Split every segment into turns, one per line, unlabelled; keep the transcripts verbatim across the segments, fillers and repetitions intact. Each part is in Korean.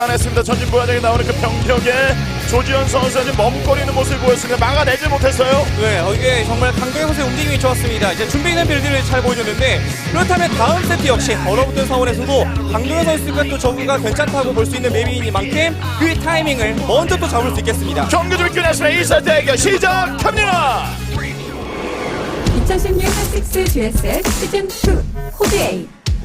했습니다. 전진부화장에 나오는 그 병력에 조지현 선수가 지금 머뭇거리는 모습을 보였습니다. 막아내지 못했어요.
네, 어, 이게 정말 강도현 선수의 움직임이 좋았습니다. 이제 준비된 빌드를 잘 보여줬는데, 그렇다면 다음 세트 역시 얼어붙은 상황에서도 강도현 선수가 또 저그가 괜찮다고 볼 수 있는 맵이니만큼 그 타이밍을 먼저 또 잡을 수 있겠습니다.
경기 좀 끝났습니다. 이 세트 대결 시작합니다.
이천십육 핫식스 지에스에스 시즌 투 코드 에이.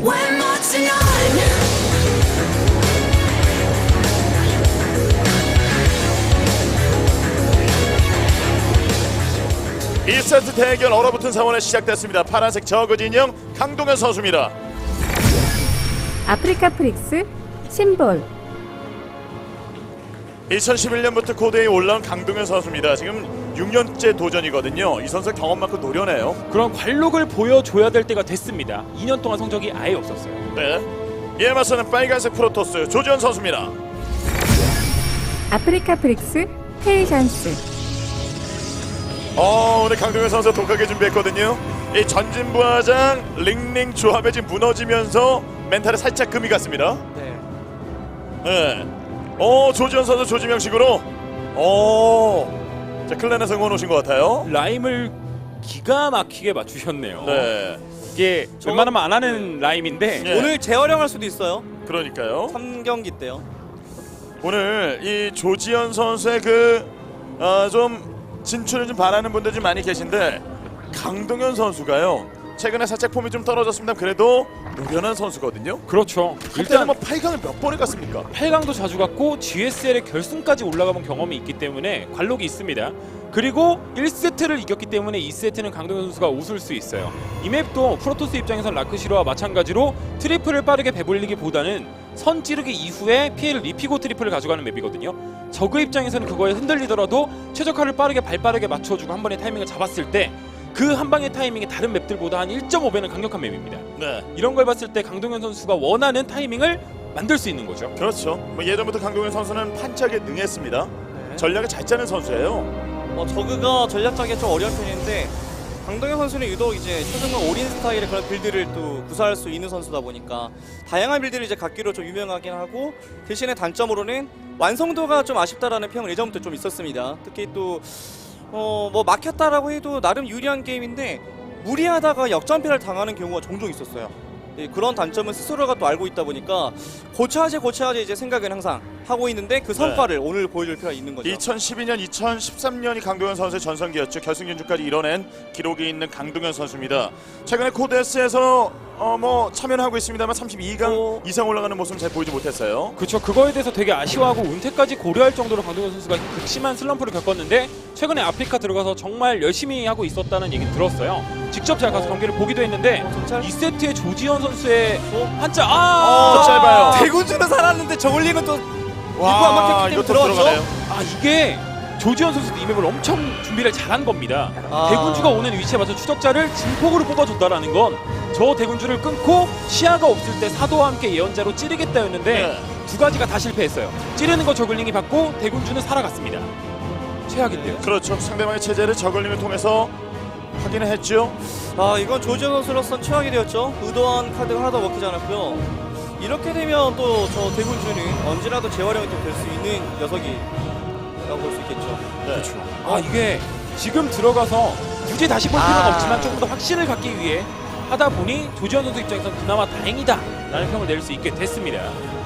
이 세트 대결 얼어붙은 상황에 시작됐습니다. 파란색 저그 진영 강동현 선수입니다.
아프리카 프릭스 심볼.
이천십일 년부터 코드에 올라온 강동현 선수입니다. 지금 육 년째 도전이거든요. 이 선수 경험만큼 노련해요.
그런 관록을 보여줘야 될 때가 됐습니다. 이 년 동안 성적이 아예 없었어요.
네. 이에 맞서는 빨간색 프로토스 조지현 선수입니다.
아프리카 프릭스 페이션스.
어, 오늘 강동현 선수 독하게 준비했거든요. 이 전진부화장 링링 조합에 지금 무너지면서 멘탈에 살짝 금이 갔습니다.
네.
네. 어, 조지현 선수 조지명식으로 어, 자 클랜에 성공 오신 것 같아요.
라임을 기가 막히게 맞추셨네요.
네.
이게
저-
웬만하면 안 하는 라임인데
네.
오늘 재활용할 수도 있어요.
그러니까요.
삼 경기 때요.
오늘 이 조지현 선수의 그 어, 좀 진출을 좀 바라는 분들 좀 많이 계신데 강동현 선수가요. 최근에 살짝 폼이 좀 떨어졌습니다. 그래도 노련한 선수거든요.
그렇죠.
일단
일단
뭐 팔 강을 몇 번에 갔습니까?
팔 강도 자주 갔고 지에스엘의 결승까지 올라가본 경험이 있기 때문에 관록이 있습니다. 그리고 일 세트를 이겼기 때문에 이 세트는 강동현 선수가 웃을 수 있어요. 이 맵도 프로토스 입장에선 라크시로와 마찬가지로 트리플을 빠르게 배불리기보다는 선 찌르기 이후에 피해를 입히고 트리플을 가져가는 맵이거든요. 저그 입장에서는 그거에 흔들리더라도 최적화를 빠르게 발빠르게 맞춰주고 한 번의 타이밍을 잡았을 때 그 한 방의 타이밍이 다른 맵들보다 한 일 점 오 배는 강력한 맵입니다.
네.
이런 걸 봤을 때 강동현 선수가 원하는 타이밍을 만들 수 있는 거죠.
그렇죠. 뭐 예전부터 강동현 선수는 판짝에 능했습니다. 전략을 잘 짜는 선수예요.
어, 저그가 전략 짜기가 좀 어려운 편인데, 강동현 선수는 유독 이제 초중간 올인 스타일의 그런 빌드를 또 구사할 수 있는 선수다 보니까 다양한 빌드를 이제 갖기로 좀 유명하긴 하고, 대신에 단점으로는 완성도가 좀 아쉽다라는 평은 예전부터 좀 있었습니다. 특히 또 어, 뭐 막혔다라고 해도 나름 유리한 게임인데 무리하다가 역전패를 당하는 경우가 종종 있었어요. 예, 그런 단점은 스스로가 또 알고 있다 보니까 고쳐야지 고쳐야지 이제 생각은 항상 하고 있는데 그 성과를 오늘 보여줄 필요가 있는 거죠.
이천십이 년, 이천십삼 년이 강동현 선수의 전성기였죠. 결승 진출까지 이뤄낸 기록이 있는 강동현 선수입니다. 최근에 코데스에서 어, 뭐 참여는 하고 있습니다만 삼십이 강
어.
이상 올라가는 모습은 잘 보이지 못했어요.
그렇죠. 그거에 대해서 되게 아쉬워하고 은퇴까지 고려할 정도로 강동현 선수가 극심한 슬럼프를 겪었는데 최근에 아프리카 들어가서 정말 열심히 하고 있었다는 얘기 들었어요. 직접 제가 가서 경기를 보기도 했는데
어, 정찰?
이 세트에 조지현 선수의
어?
한자
어,
아
짧아요.
대군주는 살았는데 저울링은 또
와,
이거 안 막혔기 때문에
이것도
들어갔죠?
들어가네요.
아 이게 조지현 선수도 이 맵을 엄청 준비를 잘한 겁니다.
아.
대군주가 오는 위치에 맞춰 추적자를 진폭으로 뽑아줬다라는 건 저 대군주를 끊고 시야가 없을 때 사도와 함께 예언자로 찌르겠다였는데
네.
두 가지가 다 실패했어요. 찌르는 거 저글링이 받고 대군주는 살아갔습니다. 최악인데요.
그렇죠. 상대방의 체제를 저글링을 통해서 확인을 했죠.
아, 이건 조지현 선수로선 최악이 되었죠. 의도한 카드가 하나도 먹히지 않았고요. 이렇게 되면 또 저 대군주는 언제라도 재활용이 될 수 있는 녀석이라고 볼 수 있겠죠.
네.
그렇죠. 아 이게 지금 들어가서 굳이 다시 볼 필요는
아.
없지만 조금 더 확신을 갖기 위해 하다 보니 조지현 선수 입장에서 그나마 다행이다 라는 평을 낼 수 있게 됐습니다.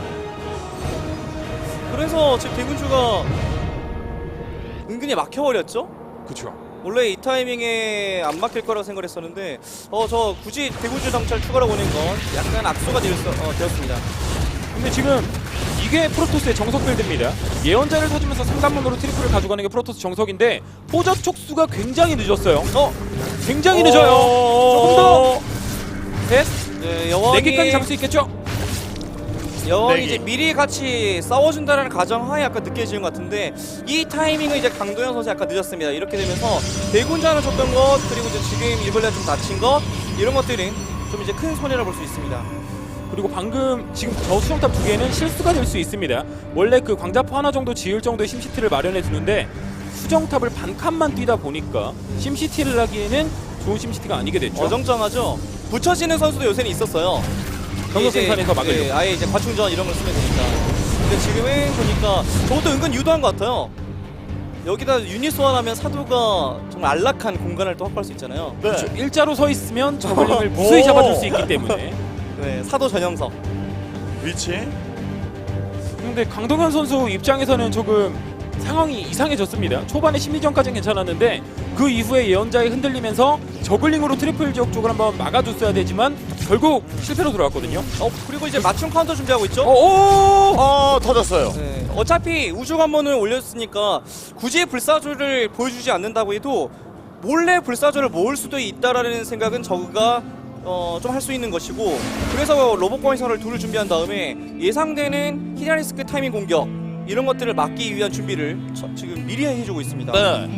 그래서 지금 대군주가 은근히 막혀버렸죠.
그렇죠.
원래 이 타이밍에 안 막힐 거라고 생각했었는데 어 저 굳이 대군주 정찰 추가로 보낸 건 약간 악수가 되었, 어, 되었습니다.
근데 지금 이게 프로토스의 정석 빌드입니다. 예언자를 사주면서 상단문으로 트리플을 가져가는 게 프로토스 정석인데 포자 촉수가 굉장히 늦었어요. 어? 굉장히 늦어요. 조금 더 셋,
네, 여왕이
네 개까지 잡을 수 있겠죠?
여왕이
네 개.
이제 미리 같이 싸워준다는 가정하에 약간 느껴지는 것 같은데 이 타이밍은 이제 강도현 선수 약간 늦었습니다. 이렇게 되면서 대군주 하나 줬던 것 그리고 이제 지금 일벌레 좀 다친 것 이런 것들은 좀 이제 큰 손해라 볼 수 있습니다.
그리고 방금 지금 저 수정탑 두 개는 실수가 될 수 있습니다. 원래 그 광자포 하나 정도 지을 정도의 심시티를 마련해 두는데 수정탑을 반 칸만 뛰다 보니까 심시티를 하기에는 좋은 심시티가 아니게 됐죠.
어정쩡하죠. 붙여지는 선수도 요새는 있었어요.
경력
이제,
생산에서 막으려고.
예, 아예 이제 과충전 이런 걸 쓰면 되니까. 근데 지금은 보니까 저것도 은근 유도한 것 같아요. 여기다 유닛 소환하면 사도가 정말 안락한 공간을 또 확보할 수 있잖아요.
네.
일자로 서 있으면 저글링을 무수히
오.
잡아줄 수 있기 때문에.
네, 사도 전형석.
위치.
근데 강동현 선수 입장에서는 조금 상황이 이상해졌습니다. 초반에 심리전까지는 괜찮았는데 그 이후에 예언자에 흔들리면서 저글링으로 트리플 지역 쪽을 한번 막아줬어야 되지만 결국 실패로 돌아왔거든요.
어, 그리고 이제 맞춤 카운터 준비하고 있죠?
오!
어 터졌어요.
네, 어차피 우주 관문을 올렸으니까 굳이 불사조를 보여주지 않는다고 해도 몰래 불사조를 모을 수도 있다라는 생각은 저그가 어, 좀 할 수 있는 것이고, 그래서 로봇 광선을 둘을 준비한 다음에 예상되는 히라리스크 타이밍 공격 이런 것들을 막기 위한 준비를 저, 지금 미리 해주고 있습니다.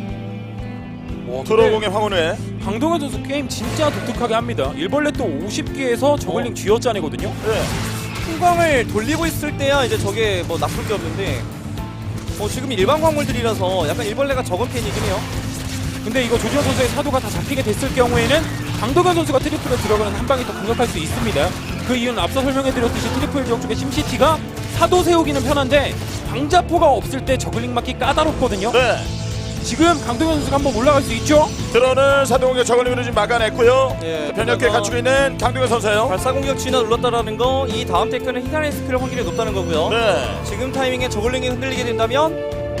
네.
와,
드로공의 황혼회.
강동현 선수 게임 진짜 독특하게 합니다. 일벌레 또 오십 개에서 저글링
어.
쥐어짜내거든요.
네.
풍광을 돌리고 있을 때야 이제 저게 뭐 나쁠 게 없는데, 어, 지금 일반 광물들이라서 약간 일벌레가 적은 편이긴 해요.
근데 이거 조지현 선수의 사도가 다 잡히게 됐을 경우에는 강동현 선수가 트리플에 들어가는 한 방이 더 강력할 수 있습니다. 그 이유는 앞서 설명해드렸듯이 트리플 지역 쪽에 심시티가 사도 세우기는 편한데 방자포가 없을 때 저글링 맞기 까다롭거든요.
네.
지금 강동현 선수가 한번 올라갈 수 있죠?
들어오는 사동공격 저글링으로 지금 막아냈고요.
예,
변력계
그러다가
갖추고 있는 강동현 선수예요.
발사 공격 진화 눌렀다라는 거, 이 다음 테크는 히다리스크를 확률이 높다는 거고요.
네.
지금 타이밍에 저글링이 흔들리게 된다면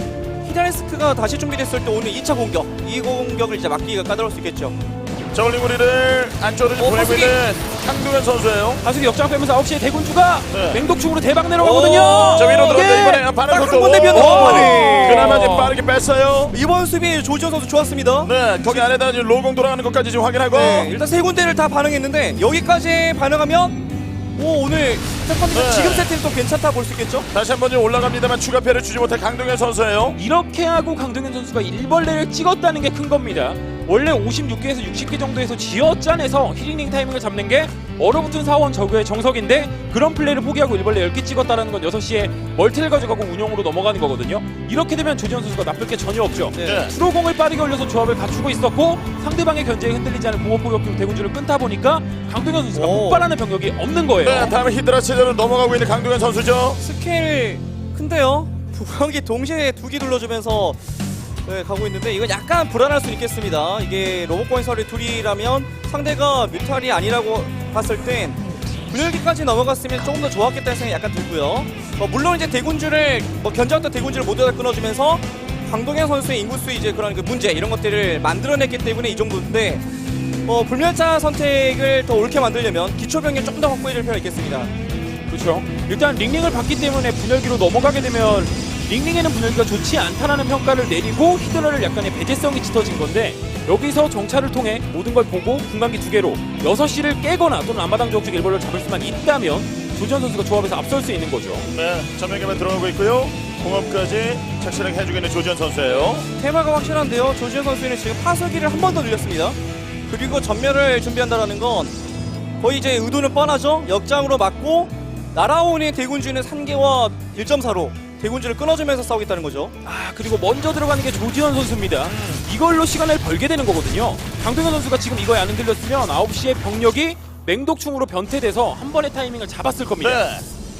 히다리스크가 다시 준비됐을 때 오는 이 차 공격, 이 공격을 이제 막기가 까다로울 수 있겠죠.
저글링 우리를 안쪽으로 좀
어,
보내고
파수기!
있는 강동현 선수예요.
다수기 역장 빼면서 아홉 시에 대군주가
네.
맹독충으로 대박 내려가거든요.
오,
저 위로 들어온다
이게
이번에 반응
딱한
속도.
번에 비었네,
오!
한 번에.
그나마 이제 빠르게 뺐어요.
이번 수비 조지현 선수 좋았습니다.
네, 거기 안에다 이제 로공 돌아가는 것까지 지금 확인하고.
네, 일단 세 군데를 다 반응했는데 여기까지 반응하면 오, 오늘 세컨드
네.
지금 세트는 또 괜찮다 볼 수 있겠죠?
다시 한번 좀 올라갑니다만 추가 패를 주지 못한 강동현 선수예요.
이렇게 하고 강동현 선수가 일벌레를 찍었다는 게 큰 겁니다. 원래 오십육 개에서 육십 개 정도에서 쥐어짜내서 힐링 타이밍을 잡는 게 얼어붙은 사원 저그의 정석인데, 그런 플레이를 포기하고 일벌레 열 개 찍었다는 건 여섯 시에 멀티를 가져가고 운영으로 넘어가는 거거든요. 이렇게 되면 조지현 선수가 나쁠 게 전혀 없죠.
네.
프로공을 빠르게 올려서 조합을 갖추고 있었고 상대방의 견제에 흔들리지 않은 공업포격기로 대군주를 끊다 보니까 강동현 선수가
오.
폭발하는 병력이 없는 거예요.
네, 다음에 히드라 체제로 넘어가고 있는 강동현 선수죠.
스케일 큰데요? 부각이 동시에 두 개 눌러주면서 네, 가고 있는데 이건 약간 불안할 수 있겠습니다. 이게 로봇 건설이 둘이라면 상대가 뮤탈이 아니라고 봤을 땐 분열기까지 넘어갔으면 조금 더 좋았겠다는 생각이 약간 들고요. 어, 물론 이제 대군주를 뭐 견제했던 대군주를 모두 다 끊어주면서 강동현 선수의 인구수 이제 그런 그 문제 이런 것들을 만들어냈기 때문에 이 정도인데, 어, 불멸자 선택을 더 옳게 만들려면 기초병력 조금 더 확보해줄 필요가 있겠습니다.
그렇죠. 일단 링링을 받기 때문에 분열기로 넘어가게 되면 링링에는 분열기가 좋지 않다라는 평가를 내리고 히드라를 약간의 배제성이 짙어진 건데, 여기서 정찰을 통해 모든 걸 보고 분광기 두 개로 여섯 시를 깨거나 또는 앞마당 지역 쪽 일벌레를 잡을 수만 있다면 조지현 선수가 조합에서 앞설 수 있는 거죠.
네, 전면기만 들어가고 있고요. 공업까지 착실하게 해주고 있는 조지현 선수예요.
테마가 확실한데요. 조지현 선수는 지금 파수기를 한 번 더 늘렸습니다. 그리고 전멸을 준비한다라는 건 거의 이제 의도는 뻔하죠. 역장으로 맞고 날아오는 대군주는 산계와 일 점 사로 대군주를 끊어주면서 싸우겠다는 거죠.
아, 그리고 먼저 들어가는 게 조지현 선수입니다. 이걸로 시간을 벌게 되는 거거든요. 강동현 선수가 지금 이거에 안 흔들렸으면 아홉 시에 병력이 맹독충으로 변태돼서 한 번의 타이밍을 잡았을 겁니다.
네.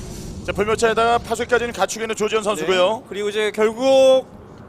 자, 불멸차에다가 파수기까지는 갖추고 있는 조지현 선수고요.
네. 그리고 이제 결국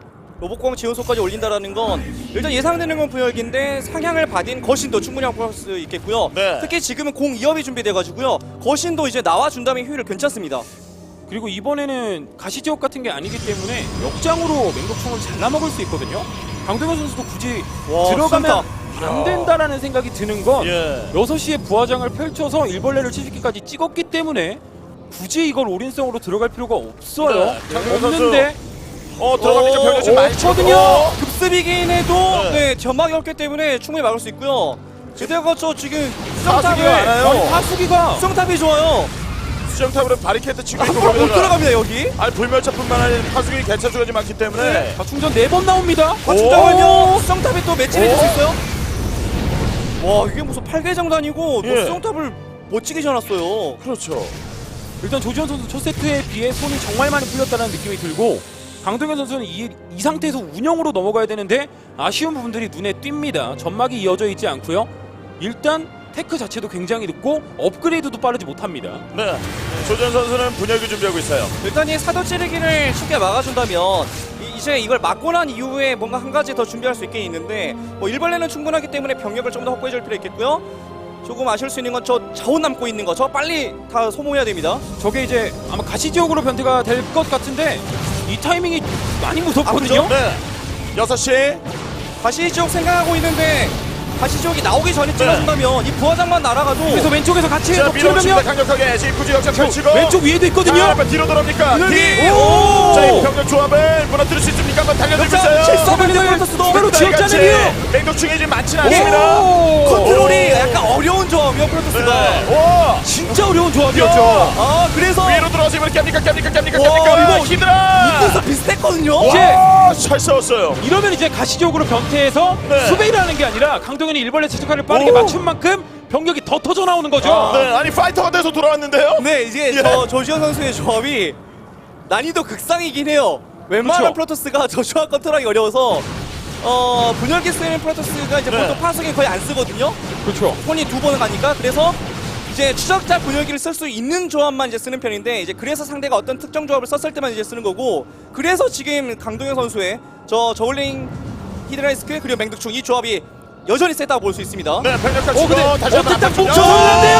로봇공 지원소까지 올린다라는 건 일단 예상되는 건 분열기인데 상향을 받은 거신도 충분히 확보할 수 있겠고요.
네.
특히 지금은 공 이 업이 준비돼가지고요. 거신도 이제 나와준다면 효율 괜찮습니다.
그리고 이번에는 가시지옥 같은 게 아니기 때문에 역장으로 맹독충을 잘라먹을 수 있거든요. 강동현 선수도 굳이
와,
들어가면
진짜.
안 된다라는 생각이 드는 건
예.
여섯 시에 부하장을 펼쳐서 일벌레를 칠십 개까지 찍었기 때문에 굳이 이걸 올인성으로 들어갈 필요가 없어요.
네, 강동현 선수.
없는데
어, 들어갑니까?
어,
병력 좀 많이
없거든요.
치고.
급습이긴 해도
네.
네, 점막이 없기 때문에 충분히 막을 수 있고요. 게다가 저 지금
파수기가
수정탑을
많아요.
아니, 파수기가
수정탑이 좋아요.
수정탑으로 바리케이트 치고 있고
앞으로 못
거기다가
들어갑니다 여기.
아니 불멸차뿐만 아니라 파수기 개체수가 좀 많기 때문에
네.
자, 충전 네 번 나옵니다.
아, 잠깐만요. 수정탑이 또 매치를 해줄 수 있어요? 와, 이게 무슨 팔계장단이고 또
예.
수정탑을 멋지게 지어놨어요.
그렇죠.
일단 조지현 선수 첫 세트에 비해 손이 정말 많이 풀렸다는 느낌이 들고, 강동현 선수는 이, 이 상태에서 운영으로 넘어가야 되는데 아쉬운 부분들이 눈에 띕니다. 점막이 이어져 있지 않고요. 일단 테크 자체도 굉장히 늦고 업그레이드도 빠르지 못합니다.
네. 조지현 선수는 분열기 준비하고 있어요.
일단 이 사도 찌르기를 쉽게 막아준다면 이, 이제 이걸 막고 난 이후에 뭔가 한 가지 더 준비할 수 있게 있는데 뭐 일벌레는 충분하기 때문에 병력을 좀 더 확보해줄 필요 있겠고요. 조금 아실 수 있는 건 저 자원 남고 있는 거 저 빨리 다 소모해야 됩니다.
저게 이제 아마 가시지역으로 변태가 될 것 같은데 이 타이밍이 많이 무섭거든요.
아,
네. 여섯 시.
가시지옥 생각하고 있는데 가시지옥이 나오기 전에 찔러준다면 이 부하장만 날아가도
그래서 왼쪽에서 같이
자,
덮치는
밀어붙입니다.
병력
강력하게 지구지 역전 펼치고.
왼쪽 위에도 있거든요.
자, 한번 뒤로 돌아옵니까?
분열기.
뒤.
오!
자, 이 병력 조합을 무너뜨릴 수 있습니까? 한번 달려들고
역전
있어요.
실수.
서블링을
프로토스도
추가로 지었잖아요.
맹독충이 지금 많지는 않습니다.
오!
컨트롤이 약간 어려운 조합이요 프로토스가.
네. 오!
진짜 어려운 조합이었죠.
야!
아 그래서
위로 들어서 이번에 깹니까 깹니까 깹니까
와,
깹니까
이거
히드라.
입구서 비슷했거든요.
와, 잘 싸웠어요.
이러면 이제 가시적으로 변태해서
네.
수베이를 하는 게 아니라 강동현이 일벌레 최적화를 빠르게
오.
맞춘 만큼 병력이 더 터져 나오는 거죠.
네, 아니 파이터가 돼서 돌아왔는데요.
네 이제
예.
저 조지현 선수의 조합이 난이도 극상이긴 해요. 웬만한
그렇죠.
프로토스가 저 조합 컨트롤하기 어려워서 어 분열기 쓰는 프로토스가 이제
네.
보통 파수기 거의 안 쓰거든요.
그렇죠.
손이 두 번은 가니까 그래서 이제 추적자 분열기를 쓸 수 있는 조합만 이제 쓰는 편인데 이제 그래서 상대가 어떤 특정 조합을 썼을 때만 이제 쓰는 거고 그래서 지금 강동현 선수의 저 저울링 히드라이스크 그리고 맹독충 이 조합이 여전히 세다고 볼 수 있습니다.
네, 병력화
어
치고
근데
다시 한번
어쨌든
앞으로
뭉쳐졌는데요.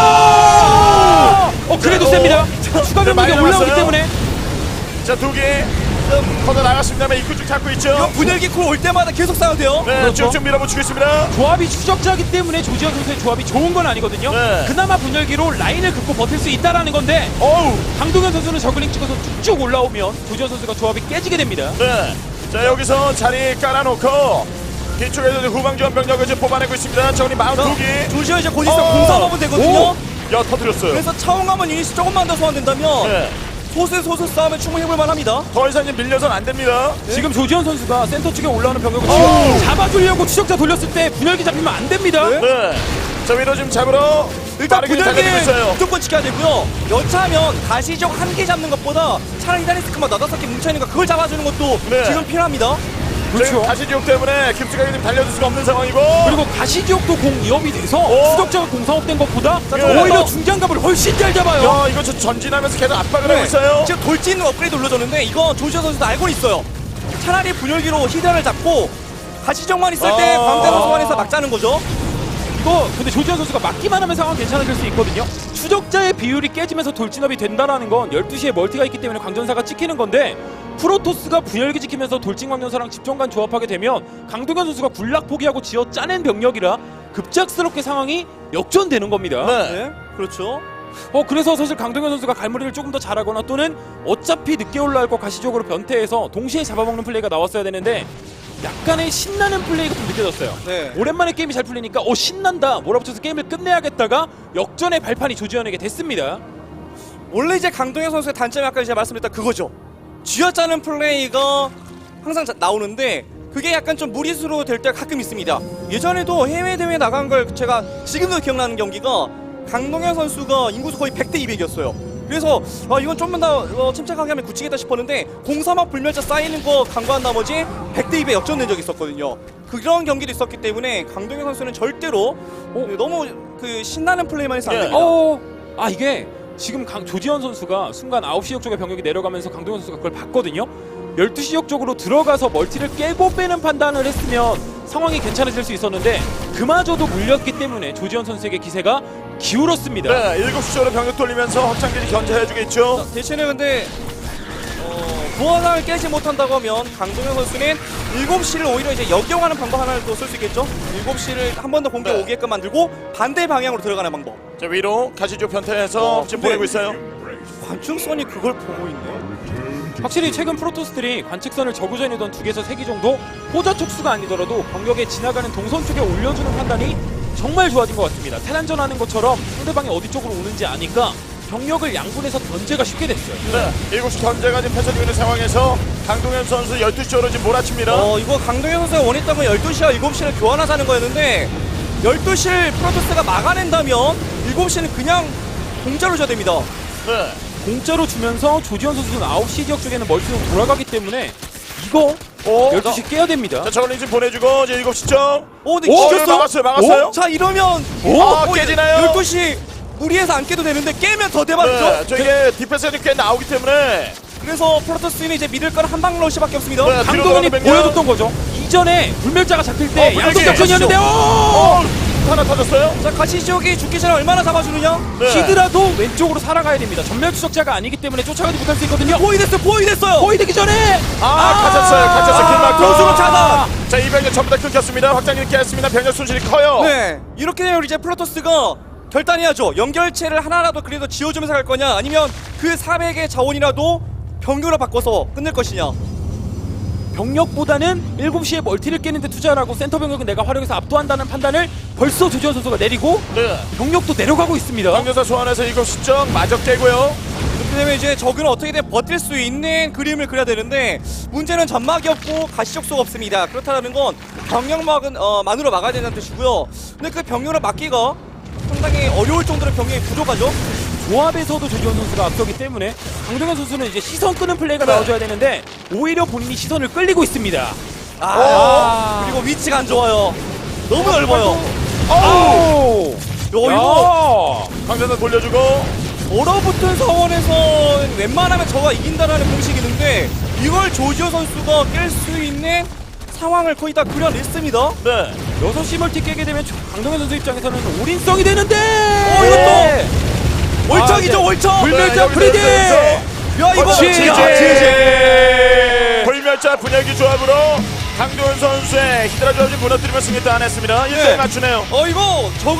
어 그래도
오.
셉니다. 추가
네, 많이
병력이 올라오기
남았어요.
때문에
자, 두 개. 커져 나갔습니다만 입구 쪽 잡고 있죠.
이거 분열기 쿨 올 때마다 계속 싸워도 돼요.
네,
그렇죠.
쭉쭉 밀어붙이고 있습니다.
조합이 추적자이기 때문에 조지현 선수의 조합이 좋은 건 아니거든요.
네.
그나마 분열기로 라인을 긋고 버틸 수 있다라는 건데
어우.
강동현 선수는 저글링 찍어서 쭉쭉 올라오면 조지현 선수가 조합이 깨지게 됩니다.
네. 자, 여기서 자리 깔아놓고 뒤쪽에서 이제 후방 지원 병력을 지금 뽑아내고 있습니다. 저기 마흔두 개.
조지현 이제 곧 있으면
어.
공사하면 되거든요.
오. 야, 터뜨렸어요.
그래서 차원가만 유닛이 조금만 더 소환된다면
네.
소수 소수 싸움에 충분히 해볼 만합니다.
더 이상 이제 밀려선 안 됩니다.
지금 조지현 선수가 센터 쪽에 올라오는 병력을
오.
지금 잡아주려고 추적자 돌렸을 때 분열기 잡히면 안 됩니다.
네.
네. 자, 위로 지금 잡으러
일단
빠르게 달려들고
분열기
있어요.
무조건 지켜야 되고요. 여차하면 가시적 한 개 잡는 것보다 차라리 히다리스크만 너다섯 개 뭉쳐있는 거 그걸 잡아주는 것도
네.
지금 필요합니다.
그렇죠.
그렇죠.
다시 지옥 때문에 김수가 지금 달려들 수가 없는 상황이고.
그리고 가시지옥도 공 이업이 돼서
오.
추적자가 공사업된 것보다
예.
오히려 중장갑을 훨씬 잘 잡아요.
야, 이거 저 전진하면서 계속 압박을
네.
하고 있어요.
지금 돌진 업그레이드 올려줬는데 이거 조지현 선수도 알고 있어요. 차라리 분열기로 히드라를 잡고 가시적만 있을 때
아.
광대로 소환해서 막자는 거죠.
이거 근데 조지현 선수가 막기만 하면 상황 괜찮아질 수 있거든요. 추적자의 비율이 깨지면서 돌진업이 된다라는 건 열두 시에 멀티가 있기 때문에 광전사가 찍히는 건데 프로토스가 분열기 지키면서 돌진 광전사랑 집정관 조합하게 되면 강동현 선수가 굴락 포기하고 지어 짜낸 병력이라 급작스럽게 상황이 역전되는 겁니다.
네.
네, 그렇죠.
어 그래서 사실 강동현 선수가 갈무리를 조금 더 잘하거나 또는 어차피 늦게 올라올 거 가시적으로 변태해서 동시에 잡아먹는 플레이가 나왔어야 되는데 약간의 신나는 플레이가 좀 느껴졌어요.
네.
오랜만에 게임이 잘 풀리니까 어 신난다 몰아붙여서 게임을 끝내야겠다가 역전의 발판이 조지현에게 됐습니다.
원래 이제 강동현 선수의 단점이 아까 이제 말씀드렸다 그거죠. 쥐어짜는 플레이가 항상 자- 나오는데 그게 약간 좀 무리수로 될 때가 가끔 있습니다. 예전에도 해외 대회 나간 걸 제가 지금도 기억나는 경기가 강동현 선수가 인구수 거의 백 대 이백이었어요. 그래서 아 이건 좀만 더 어, 침착하게 하면 굳히겠다 싶었는데 공사막 불멸자 쌓이는 거 간과한 나머지 백 대 이백 역전된 적이 있었거든요. 그런 경기도 있었기 때문에 강동현 선수는 절대로 어, 너무 그 신나는 플레이만 해서 안
예.
됩니다.
어, 아 이게 지금 강, 조지현 선수가 순간 아홉 시 역 쪽에 병력이 내려가면서 강동현 선수가 그걸 봤거든요. 열두 시 역 쪽으로 들어가서 멀티를 깨고 빼는 판단을 했으면 상황이 괜찮아질 수 있었는데 그마저도 물렸기 때문에 조지현 선수에게 기세가 기울었습니다.
네, 일곱 시 쪽으로 병력 돌리면서 확장기지 견제해주겠죠.
대신에 근데 어, 부하상을 깨지 못한다고 하면 강동현 선수는 일곱 시를 오히려 이제 역용하는 방법 하나를 또 쓸 수 있겠죠. 일곱 시를 한 번 더 공격
네.
오게끔 만들고 반대 방향으로 들어가는 방법.
자, 위로 가시죠 변태해서
어,
지금
근데-
보내고 있어요.
관중선이 그걸 보고 있네.
확실히 최근 프로토스들이 관측선을 저구전이던 두 개에서 세 개 정도 호자 촉수가 아니더라도 병력에 지나가는 동선 쪽에 올려주는 판단이 정말 좋아진 것 같습니다. 테란전 하는 것처럼 상대방이 어디 쪽으로 오는지 아니까 병력을 양분해서 견제가 쉽게 됐어요.
네, 일곱 시 견제가 지금 펼쳐지고 있는 상황에서 강동현 선수 열두 시 쪽으로 지금 몰아칩니다.
어 이거 강동현 선수가 원했던 건 열두 시와 일곱 시를 교환하자는 거였는데 열두 시를 프로토스가 막아낸다면 일곱 시는 그냥 공짜로 줘야 됩니다.
네.
공짜로 주면서 조지현 선수는 아홉 시 지역 쪽에는 멀티로 돌아가기 때문에 이거
오,
열두 시 깨야 됩니다.
자, 저걸링 좀 보내주고 이제 일곱 시죠.
오, 근데
오,
이겼어요?
막았어요, 막았어요.
자, 이러면
오, 아, 깨지나요?
열두 시 무리해서 안 깨도 되는데 깨면 더 대박이죠.
네, 저 이게 디펜스가 꽤 나오기 때문에
그래서 프로토스는 이제 믿을 건 한방 러시밖에 없습니다.
네, 뒤로
강동원이
돌아가는
보여줬던 거죠. 이전에 불멸자가 잡힐 때
어,
양쪽
불멸자
작전이었는데
어,
오!
하나 터졌어요.
자, 가시지옥이 죽기 전에 얼마나 잡아주느냐?
네.
히드라도 왼쪽으로 살아가야 됩니다. 전멸 추적자가 아니기 때문에 쫓아가지 못할 수 있거든요.
포위 됐어요, 포위 됐어요.
거의 되기 전에
아, 갇혔어요, 갇혔어요. 길막
교수로 차단.
자, 이 병력 전부 다 끊겼습니다. 확장이 깼습니다. 병력 손실이 커요.
네, 이렇게 되면 이제 프로토스가 결단해야죠. 연결체를 하나라도 그래도 지어주면서 갈 거냐, 아니면 그 사백의 자원이라도 병력으로 바꿔서 끝낼 것이냐.
병력보다는 일곱 시에 멀티를 깨는데 투자를 하고 센터 병력은 내가 활용해서 압도한다는 판단을 벌써 조지현 선수가 내리고
네.
병력도 내려가고 있습니다.
병력사 소환해서 일곱 시점 마저 깨고요.
이렇게 되면 이제 적은 어떻게든 버틸 수 있는 그림을 그려야 되는데 문제는 점막이 없고 가시적소가 없습니다. 그렇다는 건 병력막은 어, 만으로 막아야 된다는 뜻이고요. 근데 그 병력을 막기가 상당히 어려울 정도로 병력이 부족하죠.
조합에서도 조지현 선수가 앞서기 때문에 강동현 선수는 이제 시선 끄는 플레이가
네.
나와줘야 되는데 오히려 본인이 시선을 끌리고 있습니다.
아, 그리고 위치가 안 좋아요. 너무 넓어요.
오!
야, 이거
강전선 돌려주고.
얼어붙은 상황에서 웬만하면 저가 이긴다라는 공식이 있는데 이걸 조지호 선수가 깰 수 있는 상황을 거의 다 그려냈습니다.
네.
여섯 시 멀티 깨게 되면 조- 강동현 선수 입장에서는 올인성이 되는데
어, 이것도 월척이죠,
아, 네.
월척.
불멸자
여기서,
프리디!
여기서.
야, 이거
지지!
야, 지지!
불멸자 분열기 조합으로 강도현 선수의 히드라 조합이 무너뜨리며 승리 따냈습니다. 일 대 일
네.
맞추네요.
어, 이거 저